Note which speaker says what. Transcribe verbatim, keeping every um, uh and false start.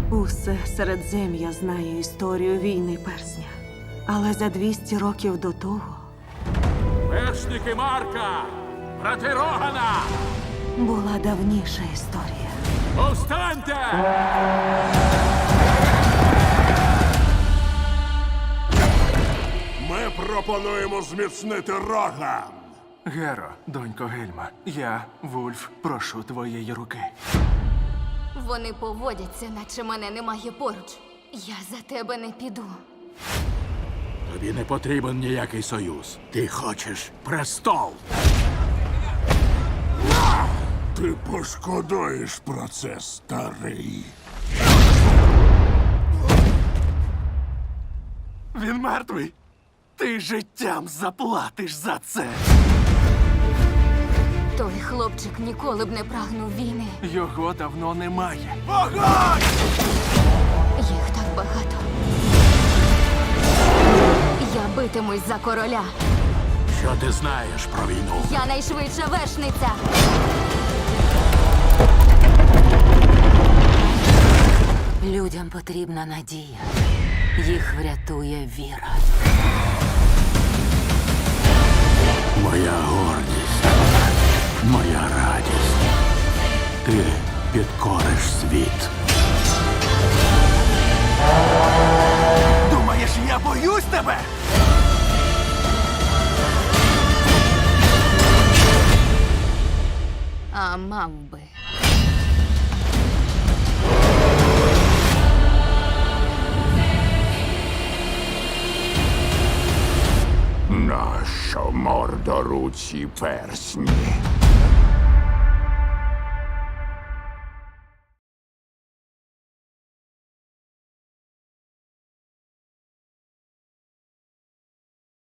Speaker 1: Усе Середзем'я знає історію війни персня. Але за двісті років до того
Speaker 2: Вершники Марка! Брати Рогана!
Speaker 1: була давніша історія.
Speaker 2: Повстаньте!
Speaker 3: Ми пропонуємо зміцнити Роган.
Speaker 4: Геро, донько Гельма, я, Вульф, прошу твоєї руки.
Speaker 5: Вони поводяться, наче мене немає поруч. Я за тебе не піду.
Speaker 2: Тобі не потрібен ніякий союз. Ти хочеш престол.
Speaker 3: Ти пошкодуєш про це, старий.
Speaker 4: Він мертвий. Ти життям заплатиш за це.
Speaker 5: Той хлопчик ніколи б не прагнув війни.
Speaker 4: Його давно немає.
Speaker 5: Їх так багато. Я битимусь за короля.
Speaker 2: Що ти знаєш про війну?
Speaker 5: Я найшвидша вершниця.
Speaker 6: Людям потрібна надія. Їх врятує віра.
Speaker 2: Моя гордість, моя радість. Ти підкориш світ.
Speaker 4: Думаєш, я боюсь тебе?
Speaker 5: А мав би.
Speaker 3: Нащо мордоруці персні?